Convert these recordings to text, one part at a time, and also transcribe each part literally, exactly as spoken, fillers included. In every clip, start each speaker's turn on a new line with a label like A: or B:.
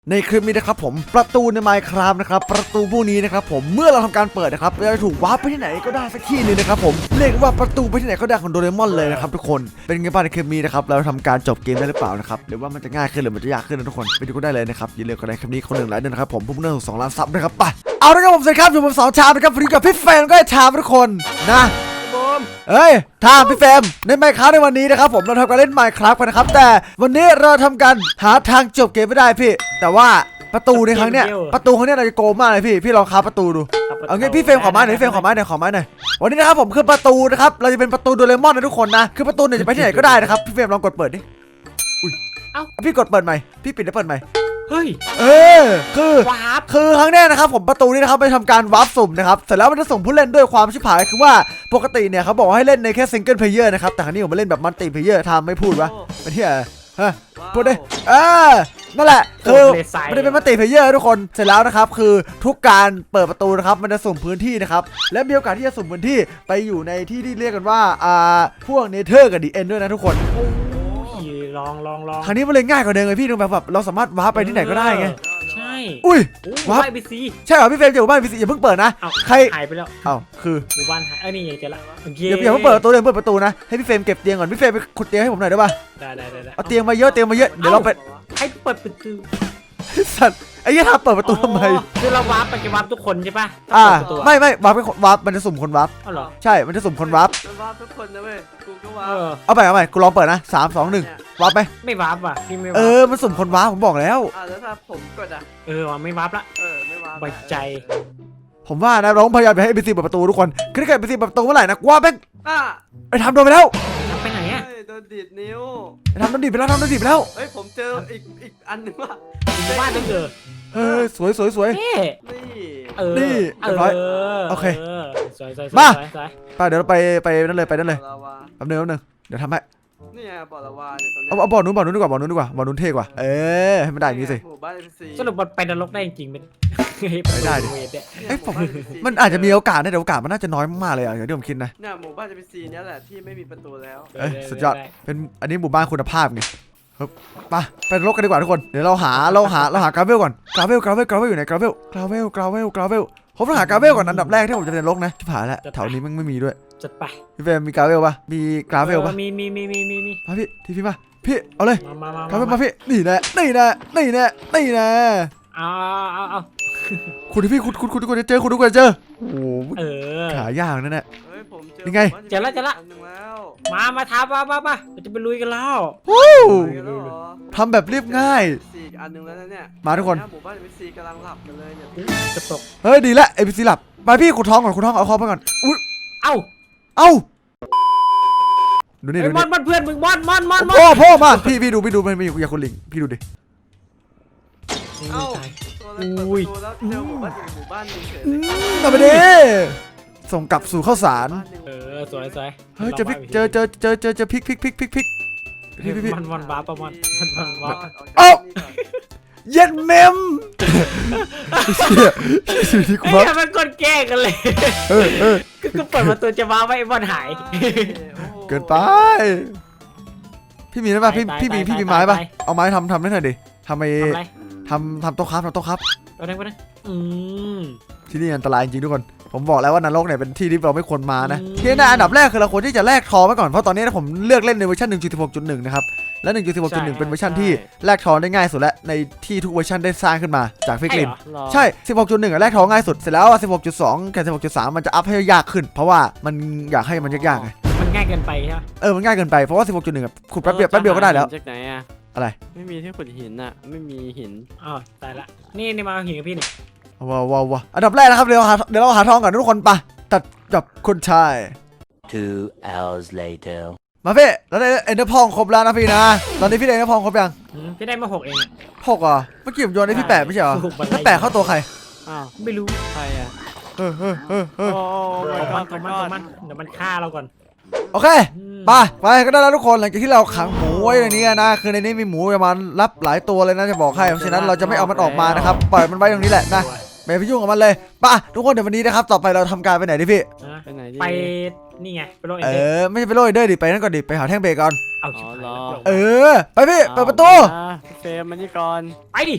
A: ในคลิปนี้นะครับผมประตูใน Minecraft นะครับประตูพวกนี้นะครับผมเมื่อเราทำการเปิดนะครับเราจะถูกวาร์ปไปที่ไหนก็ได้สักที่นึงนะครับผมเรียกว่าประตูไปที่ไหนก็ได้ของโดเรมอนเลยนะครับทุกคนเป็นไงบ้างในคลิปนี้นะครับเราทำการจบเกมได้หรือเปล่านะครับหรือว่ามันจะง่ายขึ้นหรือมันจะยากขึ้นนะทุกคนไปดูกันได้เลยนะครับอย่าลืมกดไลค์คลิปนี้คนหนึ่งไลค์ด้วยนะครับผมพุ่งเรื่องสองล้านซับนะครับไปเอาละครับผมสวัสดีครับอยู่ผมสองชามนะครับวันนี้กับพี่เฟรมก็ไอ้ชามทุกคนนะเฮ้ยทามพี่เฟรมใน Minecraft ในวันนี้นะครับผมเราทำการเล่น Minecraft กันนะครับแต่วันนี้เราทำการหาทางจบเกมไม่ได้พี่แต่ว่าประตูในครั้งเนี้ยประตูครั้งเนี้ยเราจะโกงมากเลยพี่พี่ลองคาประตูดูเอางี้พี่เฟรมขอไม้หน่อยพี่เฟรมขอไม้หน่อยขอไม้หน่อยวันนี้นะครับผมคือประตูนะครับเราจะเป็นประตูโดเรมอนนะทุกคนนะคือประตูเนี่ยจะไปที่ไหนก็ได้นะครับพี่เฟรมลองกดเปิดดิอุ้ยเอ้าพี่กดเปิดใหม่พี่ปิดแล้วเปิดใหม่
B: เฮ้ย
A: เออคือวาร์ปคือครั้งแรกนะครับผมประตูนี้นะครับไปทำการวาร์ปสุ่มนะครับเสร็จแล้วมันจะส่งผู้เล่นด้วยความชิบหายคือว่าปกติเนี่ยเขาบอกให้เล่นในแค่ซิงเกิลเพลเยอร์นะครับแต่ครั้งนี้ผมมาเล่นแบบมัลติเพลเยอร์ทำไม่พูดวะเป็นที่อะไรฮะพูดดิเออนั่นแหละคือมันจะเป็นมัลติเพลเยอร์ทุกคนเสร็จแล้วนะครับคือทุกการเปิดประตูนะครับมันจะสุ่มพื้นที่นะครับและมีโอกาสที่จะสุ่มพื้นที่ไปอยู่ในที่ที่เรียกกันว่าอ่าพวกเนเธอร์กับดีเอ็นด้วยนะทุกคน
B: ลองลองลอง
A: ครั้งนี้มันเลยง่ายกว่าเดิมเลยพี่ดูแบบแบบเราสามารถวาร์ปไปที่ไหนก็ได้ไง
B: ใช่
A: อุ้ยวาร์ป
B: ไปซี
A: ใช่เหรอพี่เฟรมจะอยู่บ้านพี่ซีอย่าเพิ่งเปิดนะใคร
B: หายไปแล้ว
A: เอ้าคือ
B: หมู่บ้านหายเออนี่เจอละ
A: อย่าอย่าเพิ่งเปิดประตูเลยเปิดประตูนะให้พี่เฟรมเก็บเตียงก่อนพี่เฟรมไปขุดเตียงให้ผมหน่อยได้ป่ะ
B: ได้ได้ได้
A: เอาเตียงมาเยอะเตียงมาเยอะเดี๋ยวเราไป
B: ให้เปิดประตู
A: สัตว์ไอ้ยี่ทำเปิดประตูทำไม
B: คือเราวาร์ปไปจะวาร์ปทุกคนใช่ป่ะ
A: อ่าไม่ไม่วาร์ปเป็นวาร์ปมันจะสุ่มคนวาร์ป
B: อ๋อเหรอ
A: ใช่มันจะสุ่มคนวาร์ป
C: มันวาร์ปทุกคนนะเว้ยกูก็วาร์ป
A: เอาไปเอาไปกูลองเปิดนะสามสองหนึ่งวาร์ปไหม
B: ไม่วาร์ปว่ะพี่ไม่
A: เออมันสุ่มคนวาร์ปผมบอกแล้ว
C: อ่าแล้วถ้าผมกดอ่ะ
B: เออว่ะไม่วาร์ปละ
C: เออไม่วาร์ป
B: ไว้ใจ
A: ผมว่านะเราพยายามไปให้เอพีซีเปิดประตูทุกคนคือถ้าเกิดเอพีซีเปิดประตูเมื่อไหร่นะว่าแม่ง
C: อ่ะ
A: ไอ้ทำโดนไปแล้ว
B: ไปไหนอ่ะ
C: โดนดีดนิ้ว
A: ไอ้ทำโดนดีดไปแล้วทำโดนดีดไปแล้ว
C: เฮ้ยผมเจออีกอีกอันนึงว่า
B: บ้านนั่นเจอ
A: เฮ้ยสวยสวยสวย
C: นี่
B: เออ
A: นี่เรียบร้อยโอเค
B: สวยสวย
A: มาไปเดี๋ยวเราไปไปนั่นเลยไปนั่นเลยแป๊บนึงแป๊บนึงเดี๋ยวทำให้
C: นี่ไงบ่อละวาเนี่ยตรงนี้
A: เอาเอาบ่อนู้นบ่อนู้นดีกว่าบ่อนู้นดีกว่าบ่อนู้นเท่กว่าเออให้มันได้อย่างนี้สิ
B: สรุปมันไปนรกได้จริงไหม
A: ไม่ได้ดิเอ้ยผมมันอาจจะมีโอกาสนะแต่โอกาสมันน่าจะน้อยมากเลยอ่ะอย่างที่ผมคิดนะ
C: เนี่ยหมู่บ้านจะเป็นซีเนี่ยแหละที่ไม่มีประตูแล้ว
A: เอ้ยสุดยอดเป็นอันนี้หมู่บ้านคุณภาพไงครับไปไปนรกกันดีกว่าทุกคนเดี๋ยวเราหาเราหาเราหากราเวลก่อนกราเวลกราเวลกราเวลอยู่ไหนกราเวลกราเวลกราเวลกราเวลผมต้องหากราเวลก่อนอันดับแรกที่ผมจะเป็นนรกนะที่ผ่านแล้วแถวนี้มันไม่มีด้วย
B: จัดไป
A: พี่เฟรมมีกราเวลปะมีกราเวลปะ
B: มีมีมีมีมีมี
A: มาพี่ทีพี่มาพี่เอาเลย
B: มามาก
A: ราเวลมาพี่นี่แน่นี่แน่นี่แน่นี่แน่
B: เอาเอาเอา
A: คุณที่พี่คุณคุณคุณทุกคนจะเจอคุณทุกคนจะเจอโอ้โหขายากนั่นแหละยังไง
B: เจอแล้วเจอแล้วมามาท้าป้าป้าป้าเราจะไปลุยกันแล้ว
A: ทำแบบเรียบง่าย
C: สี่อันนึงแล้วเนี่ย
A: มาทุกคน
C: หมู่บ้านเอพีซีกำลังหลับกันเลยเนี่ย
B: จะตก
A: เฮ้ยดีละเอพีซีหลับไปพี่ขุดท้องก่อนขุดท้องเอาคอไปก่อนอุ้ย
B: เอ้า
A: เอ้าดูนี่ดู
B: นี่มอนมอนเพื่อนมึงมอนมอนมอน
A: พ่อพ่อมาพี่พี่ดูพี่ดูมันมีอย่าคนลิงพี่ดูดิ
C: เอ้าอุ้ยแล้วเจอหมู่บ้านหมู่บ้านนึงเฉย
A: มาไปดิส่งกลับสู่ข้าวสาร
B: เออสวยสวย
A: เฮ้ยเจอพริกเจอเจอเจอเจอเจอพริกพริกพริกพริกพริก
B: พี่พี่มันมันบ้าประมาณมันมันบ้า
A: เอ้าเย็ดเมมเชี่ยที่กูว่า
B: มันกดแก้กันเลย
A: เออเออ
B: ก็เปิดประตูจะมาไว้บอลหาย
A: เกินไปพี่มีได้ป่ะพี่พี่มีพี่มีไม้ป่ะเอาไม้ทำทำได้หน่อยดิทำไมทำทำโต๊ะครับทำโต๊ะครับ
B: เอาได้ปะเนี่ยอืม
A: ที่นี่อันตรายจริงทุกคนผมบอกแล้วว่านรกเนี่ยเป็นที่ที่เราไม่ควรมานะที่น่าอันดับแรกคือเราควรที่จะแลกทองไว้ก่อนเพราะตอนนี้ผมเลือกเล่นในเวอร์ชัน หนึ่งจุดสิบหกจุดหนึ่ง นะครับและ หนึ่งจุดสิบหกจุดหนึ่ง เป็นเวอร์ชันที่แลกทองได้ง่ายสุดและในที่ทุกเวอร์ชันได้สร้างขึ้นมาจากฟิกลินใช่ สิบหกจุดหนึ่ง แลกทองง่ายสุดเสร็จแล้ว สิบหกจุดสอง กับ สิบหกจุดสาม มันจะอัพให้ยากขึ้นเพราะว่ามันอยากให้มันยากๆไง
B: มันง่ายเกินไปใช่ไหม
A: เออมันง่ายเกินไปเพราะว่า สิบหกจุดหนึ่ง ขุดแป๊บเดียวแป๊บเดียวก็ได้แล้ว
C: จากไหนอะ
A: อะไร
C: ไม่มีที่ขุดหินอะไม่มีหิน
B: อ๋อตายละนี่นี่มาหินกับพี่นี่
A: ว้าวว้าวอันดับแรกนะครับเดี๋ยวหาเดี๋ยวเราหาทองก่อนทุกคนปะตัดจับคนชาย
D: two hours later
A: มาพี่แล้วได้เอ็นเดอร์พองครบแล้วนะพี่นะตอนนี้พี่ได้เอ็นเดอร์พองครบยัง
B: พี่ได้มาหกเอง
A: หกอ่ะเมื่อกี้ผมโยนให้พี่แปดไม่ใช่เหรอแล้วแปดเข้าตัวใคร
B: อ้าวไม่รู้
C: ใครอ่ะ
A: เฮ้ยเฮ้ยเฮ้ยเฮ้ย
B: มันมันมันเดี๋ยวมันฆ่าเราก่อน
A: โอเคไปไปก็ได้แล้วทุกคนหลังจากที่เราขังหมูไว้ในนี้นะคือในนี้มีหมูประมาณรับหลายตัวเลยนะจะบอกให้เพราะฉะนั้นเราจะไม่เอามันออกมานะครับปล่อยมันไว้ตรงนี้แหละนะไม่ไปยุ่งกับมันเลยป่ะทุกคนเดี๋ยววันนี้นะครับต่อไปเราทำการไปไหนดิพี่
C: ไปไหนดิ
B: ไปนี่ไงไปโรย
A: เออไม่ใช่ไปโรยเดอร์ดิไปนั่นก่อนดิไปหาแท่งเบรกก่อน
B: เอา
A: เออไปพี่เปิดประตู
C: เฟรมมันนี่ก่อน
B: ไปดิ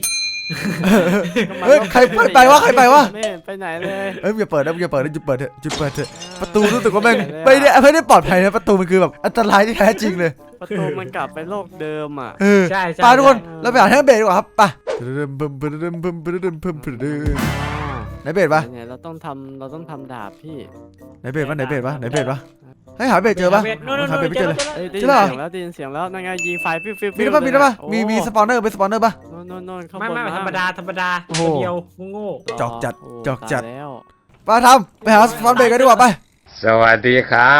A: เฮ้ยใครไปไปวะใครไปวะ
E: ไม่เห็นไปไหนเลย
A: เอ้ยอย่าเปิดนะอย่าเปิดนะหยุดเปิดเถอะหยุดเปิดเถอะประตูรู้สึกว่าแม่งไม่ได้ไม่ได้ปลอดภัยนะประตูมันคือแบบอันตรายที่แท้จริงเลย
E: ประตูมันกลับไปโลกเดิมอ่ะ
A: เออ
B: ใช่ใช่
A: ไปทุกคน
B: ใช่
A: เราไปหาแท่งเบสดีกว่าครับไปเดิมเบิ่มเบิ่มเบิ่มเบิ่มเบิ่มเบิ่มเบิ่มเบิ่มเบิ่มไหนเบสปะ
E: เนี่ยเราต้องทำเราต้องทำดาบพี่
A: ไหนเบสปะไหนเบสปะไหนเบสปะให้หาเบสเจอปะ
B: นู่นนู่น
A: หาเบสไม่เจอเลย
E: เอ้ยได้
A: เจ
E: ยิ
A: อน แล้ว
E: เสียงแล้วได้ยินเสียงแล้วนั่นไงยิงไฟฟิวฟิว
A: มีได้ปะมีได้ปะมีมีสปอนเนอร์เป็นสปอนเนอร์ปะ
E: โน่นโน่นโน่นข้าง
B: ไม่
E: บน
B: ไม่ธรรมดาธรรมดา
A: โอ้โห
B: ตัวเดียวโง่
A: จอกจัด
E: โ
A: จอกจัด
E: ตายแล้ว
A: ไปทำไปหาสปอนเบสกันดีกว่าไป
F: สวัสดีครับ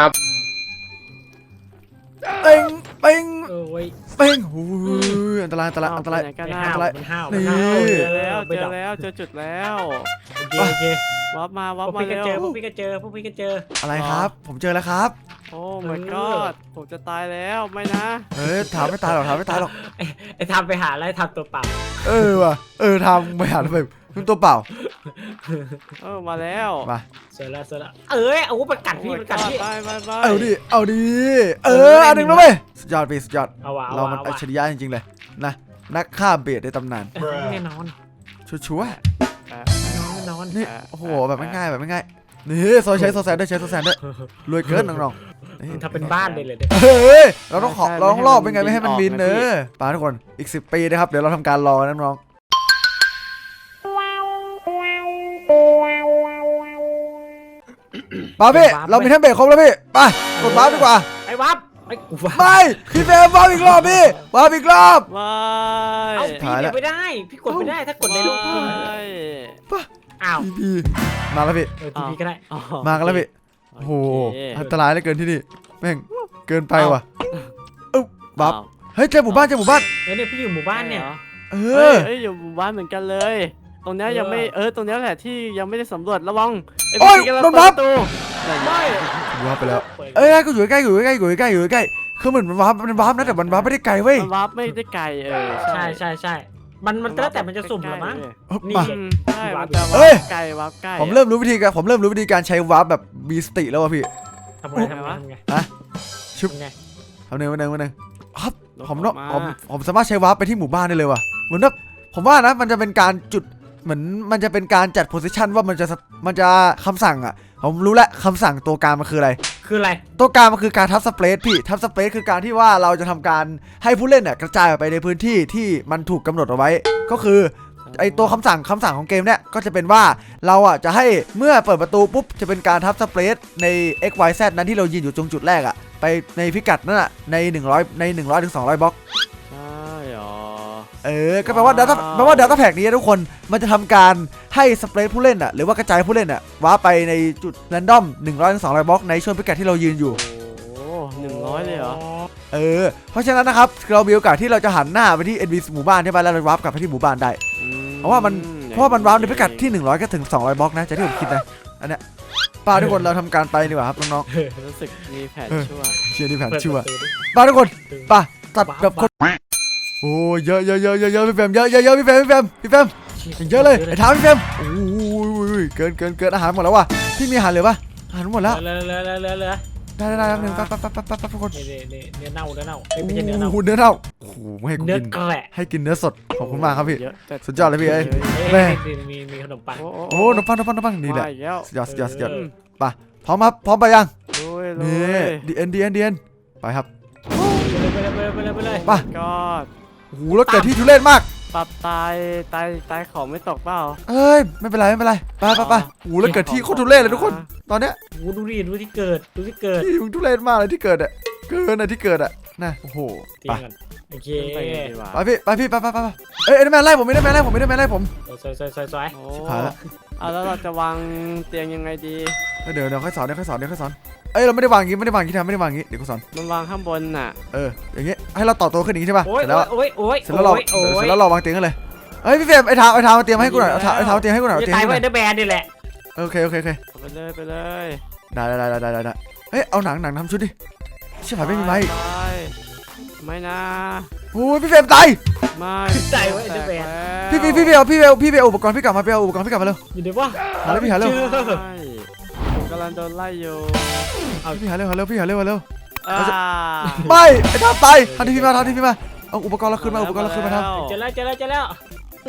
A: เป้งเป้ง
B: ๆเออเว้ย
A: เป้งโอ้ยอันตรายอันตรายอันตราย
E: เไปไหกัน
B: มัน
E: นะ
B: ห้าว
A: อะไร
B: มันห้าว
A: นี่
B: มันห้าว
E: เจ
B: เจ
E: อ
B: อ
E: แล้
B: แล้ว ว
E: เจอแล้วเจอจุดแล้ว
B: โอเคโอเค
E: วับมาวับ
B: พวก
E: มา
B: พี่ก็
E: เร็ว
B: เจอพวกพี่ก็เจอพวกพี่ก็เจอ
A: อะไรครับ ผมเจอแล้วครับ
E: โอ้ my god ผมจะตายแล้วไม่นะ
A: เฮ้ยถามไม่ตายหรอกถามไม่ตายหรอก
B: ไอ้ไอ้ทำไปหาอะไรทำตัวเปล่า
A: เออว่ะเออทำไม่หาทำไมมันตัวเปล่า
E: เออมาแล้ว
A: มา
B: เสร็จแล้วเสร็จแล้วเอ้ยเอาวุธประกัดพี่
E: โอ้ my
B: ประกัด
E: god
B: พี่
E: ไปไปไป
A: เอาดิเอาดิเอออันหนึ่งแล้วเว้ยสุดยอดพี่สุดยอด
B: เอาว่ะเอา
A: เรา
B: ว่ะ
A: มัน
B: เอา
A: อัจ
B: ว่ะ
A: ฉริยะจริงๆเลยนะนักฆ่าเบสในตำนาน
B: แน่นอน
A: ชัวร์
E: ไป
B: แน่นอน
A: ๆนี่โอ้โหแบบไม่ง่ายแบบไม่ง่ายนี่โซใช้โซแซนด้วยใช้โซแซนด้วยรวยเกินน้องๆนี่
B: ทำเป็นบ้านเลยเลยเนี่ย
A: เฮ้ยเราต้องขอเราต้องรอบเป็นไงไม่ให้มันบินเนอะปาทุกคนอีกสิบปีนะครับเดี๋ยวเราทำการรอนะน้องปาพี่เรามีแท่งเบรกครบแล้วพี่ไปกดบ้าดีกว่า
B: ไอ้วับไอ้กูวับ
A: ไม่พี่เฟรมบ้าอีกรอบพี่บ้าอีกรอบ
E: ไม่
B: เอ้า
A: ถ่าย
B: พี่
A: แล้ว
B: เก็บไม่ได้ พี่กดไม่ได้ถ้ากดในรูป
E: ไม่
B: อ้าว
A: พี่พี่มาแล้วพี่
B: เออทีพีก็ได้
E: อ๋อ
A: มากันแล้วพี่โอ้โหอันตรายเหลือเกินที่นี่แม่งเกินไปว่ะเอ้าบับ
E: อ้าว
A: เฮ้ยเจอหมู่บ้านเจอหมู่บ้าน
B: เออเนี่ยพี่อยู่หมู่บ้านเนี่ย
A: เอ
E: เฮ้ย
A: อ
E: เอ้ยอยู่หมู่บ้านเหมือนกันเลย ตรงเนี้ย
B: เออ
E: ยังไม่เออตรงเนี้ยแหละที่ยังไม่ได้สำรวจระวังไอ้
A: โอ้ย
E: พี่กำลัง
A: โดน
E: เปิ
A: บั
E: ด
A: ฟ
E: ประตู
B: ไม่
A: วาร์ปไปแล้วเอ้ยกูอยู่ใกล้ๆอยู่ใกล้ๆอยู่ใกล้ๆอยู่ใกล้ๆคือเหมือนมันวาร์ปมันวาร์ปนะแต่มันวาร์ปไม่ได้ไกลเว้ย
E: มันวาร์ปไม่ได้ไกลเออ
B: ใช่ใช่ใช่มันมันแล้วแต่มันจะสุ่มเหรอมั้ง นี่
A: มา
E: อืมใช่มันจะ
A: เอ้
E: วาย ร์ปไกลวาร์ปใกล้
A: ผมเริ่มรู้วิธีการผมเริ่มรู้วิธีการใช้วาร์ปแบบมีสติแล้วว่ะพี่
B: ทำไงทำไงทำไง
A: ชุบ
B: ทำไง
A: ทำหนึ่งวันหนึ่งวันหนึ่งครับ
E: ลบ
A: ผมเนาะ
E: อ
A: ผ
E: อก
A: ม
E: มา
A: ผมสามารถใช้วาร์ปไปที่หมู่บ้านได้เลยว่ะเหมือนแบบผมว่านะมันจะเป็นการจุดเหมือนมันจะเป็นการจัดโพสิชันว่ามันจะมันจะคำสั่งอ่ะผมรู้แล้วคำสั่งตัวกลางมันคืออะไร
B: คืออะไร
A: ตัวกลางมันคือการทับสเปรดพี่ทับสเปรดคือการที่ว่าเราจะทำการให้ผู้เล่นเนี่ยกระจายออกไปในพื้นที่ที่มันถูกกำหนดเอาไว้ ก็คือไอตัวคำสั่งคำสั่งของเกมเนี่ยก็จะเป็นว่าเราอ่ะจะให้เมื่อเปิดประตูปุ๊บจะเป็นการทับสเปรดใน x y z นั้นที่เรายืนอยู่ตรงจุดแรกอ่ะไปในพิกัดนั่นอ่ะในหนึ่งร้อยในหนึ่งร้อยถึงสองร้อยบล็อก
E: ใช่หรอ
A: เออก็แปลว่า data แปลว่า data pack นี้ทุกคนมันจะทำการให้สเปรดผู้เล่นอ่ะหรือว่ากระจายผู้เล่นอ่ะว้าไปในจุด random หนึ่งร้อยถึงสองร้อยบล็อกในช่วงพิกัดที่เรายืนอยู่
E: โอ้หนึ่งร้อยเลยเหรอ
A: เออเพราะฉะนั้นนะครับเรามีโอกาสที่เราจะหันหน้าไปที่ เอ็น พี ซี หมู่บ้านใช่ไหมแล้วเราวาร์ปกลับไปที่หมู่บ้านได้
E: อืม
A: เพราะว่ามัน เพราะว่ามันวาร์ปในพิกัดที่หนึ่งร้อยก็ถึงสองร้อยบล็อกนะจากที่ผมคิดนะอันเนี้ยป้าทุกคนเราทำการไปดีกว่าครับน้อง
E: รู้สึกมีแผนชั่ว
A: ๆเชียร์ที่แผน
B: เปิด
A: ชั่ว
B: ประตูดิ
A: ป้าทุกคนป้าตัดแบบคนโอ้ยเยอะเยอะเยอะเยอะเยอะพี่แฟมเยอะเยอะเยอะพี่แฟมพี่แฟมพี่แฟมเยอะเลยไอ้ท้าพี่แฟมโอ้ยเกินเกินเกินอาหารหมดแล้วว่ะพี่มีอาหารเหลือปะอาหารหมดแล้ว
B: เหลือเหลือเหลือเหลือเหลือ
A: ได้ได้ได้แป๊บนึงแป๊บแป๊บแป๊บแป๊บแป๊บทุกคน
B: นี่นี่นี่เนื้อเน่าเนื้อเน่าเอ้ยไม่ใช่เนื้อเน่า
A: โอ้โหเนื้อเน่าโอ้โหไม่ให้กู
B: เนื้อ
A: กิน
B: แกระ
A: ให้กินเนื้อสดขอบคุณมากครับพี่
E: เยอะจั
A: สุดยอดเลยพี่เอ้ย
B: เอ้ย
A: แม่
B: นี่มีมีขนมปัง
E: โอ้
A: โอ้น้ำปังน้ำปังน้ำปังนี่แหละ
E: มาอีกแล้ว
A: สุดยอดสุดยอดสุดยอด
B: เออ
A: ไปพร้อมครับพร้อมไปยัง
E: ลุยลุ
A: นี่
E: ย
A: ดีเอ็นดีเอ็นดีเอ็นไปครับ
B: ไปเลยไปเลยไปเลยไปเลย
A: ไป
E: ก็
A: โอ้โหแล้วเกิดที่ทุเรศมาก
E: ปรับตายตายตายของไม่ตกเปล่า
A: เอ้ยไม่เป็นไรไม่เป็นไรไปไปไปโอ้โหแล้วเกิดที่โคตรทุเรศเลยทุกคน ตอนเนี้ย
B: โอ้ดูดิดูที่เกิดดูที่เกิด
A: ที่มึงทุเรศมากเลยที่เกิดอ่ะเกินอ่ะที่เกิดอ่ะนะโอ้โห
B: เตี
A: ไป
B: ยงกันโอเค
E: ขึ้นไปกันดีกว่า
A: ไปพี่ไปพี่ไปไปไปไปเอ้ยเอ็นแมนไล่ผมไม่ได้แมนไล่ผมไม่ได้แมนไล่ผม
B: สวยสวยสวยสวย
E: โอ้
A: ชิบหายละ
E: เอาแล้วเราจะวางเตียงยังไงดี
A: เอ้ยเดี๋ยวเดี๋ยวค่อยสอนเดี๋ยวค่อยสอนเดี๋ยวค่อยสอนเอ้ยเราไม่ได้วางอย่างงี้ไม่ได้วางอย่างงี้ทำไม่ได้วางอย่างงี้เดี๋ยวกูสอน
E: มันวางข้างบนน่ะ
A: เอออย่างงี้ให้เราต่อตัวขึ้นอย่างงี้ใช่ป่ะ
B: โอ้ย
A: เสร็จแล้ว
B: โอ้ยโอ้ย
A: เสร็จแล้วเรา
B: โอ้ยโอ้
A: เสร็
B: ย
A: จแล้วเราวางเตียงกันเลยเฮ้ยพี่เฟรมไอ้เท้าไอ้เท้ามาเตรียมให้กูหน่อยเอาเท้าไอ้เท้าเตรียมให้กูหน่อยเอา
B: จะ
A: เตียง
B: ตาย
A: ให้กูห
B: ไว้
A: น่อย
B: เดอร์แบนนี่แหละ
A: โอเคโอเคโอเค
E: ไปเลยไปเลย
A: ได้ได้ได้ได้ได้ได้เฮ้ยเอาหนังหนังทำชุดดิชิบหายไม่มีไม้
E: ปไม่นะ
A: โอ้ยพี่เฟรมตาย
E: ไม่
B: ตายไว้เดอร์แบน
A: พี่พี่พี่เบลพี่เบลพี่เบลอุปกรณ์พี่กลับมาพี่เอาอุปกรณ์พี่กลับมาเร็ว
B: อยู่เดี๋ยวว่า
A: หาเร็วพี่หาเร็ว
E: ใช่ผมกำลังโดนไล่อยู่
A: พี่หาเร็วหาเร็วพี่หาเร็วหาเร็ว
E: อ่า
A: ไม่ไอ้ท่าตายทันทีพี่มาทันทีพี่มาเอาอุปกรณ์เราขึ้นมาอุปกรณ์เราขึ้นมาท
B: เจอแล้วเจอแล้วเจอแล้ว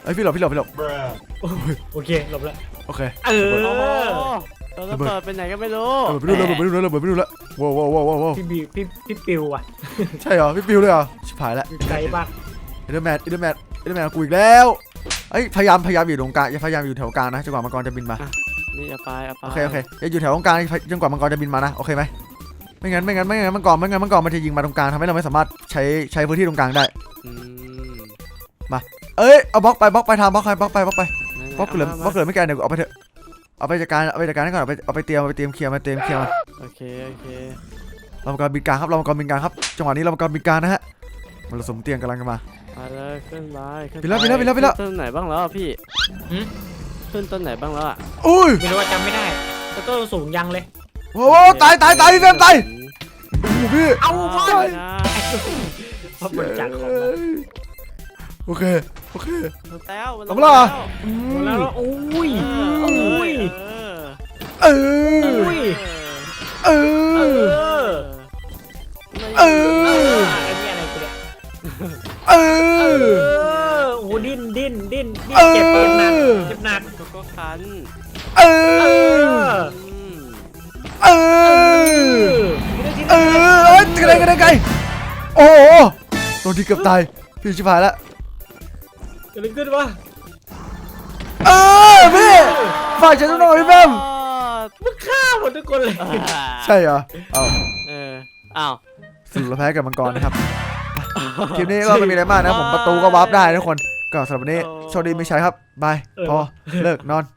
A: เอ้ยพี่หลบพี่หลบพี่หลบ
B: โอเคหลบแล้ว
A: โอเค
B: เออ
E: โอ้โหเราระเบิดไปไหนก็ไม่รู้
A: เออไปดูแล้วไปดูแล้วไปดูแล้วว้าวว้าวว้าวว้าว
B: พี่บิวพี่พี่ปิวว่ะ
A: ใช่เหรอพี่ปิวเลยเหรอชิบหายแล้ว
B: ไกลมาก
A: เอเดอร์แมนเอเดอร์แมนเอเดอร์แมนกูอีกแล้วเอ้ยพยายามพยายามอยู่ตรงกลางอย่าพยายามอยู่แถวกลางนะจนกว่ามังกรจะบินมา
E: นี่เอาไปเอาไป
A: โอเคโอเคอย่าอยู่แถวตรงกลางจนกว่ามังกรจะบินมานะโอเคไหมไม่งั้นไม่งั้นไม่งั้นมังกรไม่งั้นมังกรมันจะยิงมาตรงกลางทำให้เราไม่สามารถใช้ใช้พื้นที่ตรงกลางได้
E: อืม
A: เอ้ยเอาบล็อกไปบล็อกไปทำบล็อกไปบล็อกไปบล็อกไป
E: ไหนๆ
A: บล็อกเหลือ
E: มา
A: บล็อกเหลือไม่แก่เดี๋ยวเอาไปเถอะเอาไปจัดการเอาไปจัดการให้ก่อนเอาไปเอาไปเตรียมเอาไปเตรียมเคลียร์มาเตรียมเคลียร์มา
E: โอเคโอเค
A: เรามังกรบินกลางครับเรามังกรบินกลางครับจังหวะนี้เรามังกรบินกลางนะฮะมันผสมเตียงกำลังกันมา
E: ไปเลยขึ้นไปขึ้น
A: ไปแล้วไปแล้วไปแล้วไปแล้ว
E: ขึ้นต้นไหนบ้างแล้วอะพี่
B: หืม
E: ขึ้นต้นไหนบ้างแล้วอะ
A: อุ้ย
B: ไม่รู้ว่าจำไม่ได้แต่ต้นสูงยังเลย
A: โอ้โหตายตายตายพี่เฟรมตายโอ้โหพี่
B: เอาพ่อ
E: ไปนะ
B: พอบริจาคของมา
A: โอเคโอเค
E: แล้ว
A: เอามาล่ะ
B: หมดแล้วโอ้ย
E: เอ
B: โอ้ย
E: อ
A: เอ
B: โอ้
A: อย เอ
B: เอ
A: อ
B: อ
A: เอ
B: เอ
A: อ
B: ออันนี้อะไรกูเนี่ย
A: เอ
B: เอ
A: อ
B: อโอ้ดิ้นดิ้นดิ้นดิ้น
A: เออ
B: เจ็บเจ็บหนักเจ็บหนัก
E: โกโก้คัน
A: เอ
B: เอ
A: อ
B: อ
E: อืม
A: เออเออเอ้ยกระเด็นกระเด็นไกลโอ้โหตัวที่เกือบตายพี่ชิบหายแล้ว
B: เกิดอะไรขึ้นวะ
A: เออพี่ฝากฉันหน่อยพี่แบม
B: มึงฆ่าหมดทุกคนเลย
A: ใช่เหรอเอา
E: เอออ้าว
A: สรุปเราแพ้กับมังกรนะครับคลิปนี้ก็ไม่มีอะไรมากนะผมประตูก็วาร์ปได้ทุกคนก็สำหรับวันนี้โชคดีไม่ใช้ครับบายพอเลิกนอน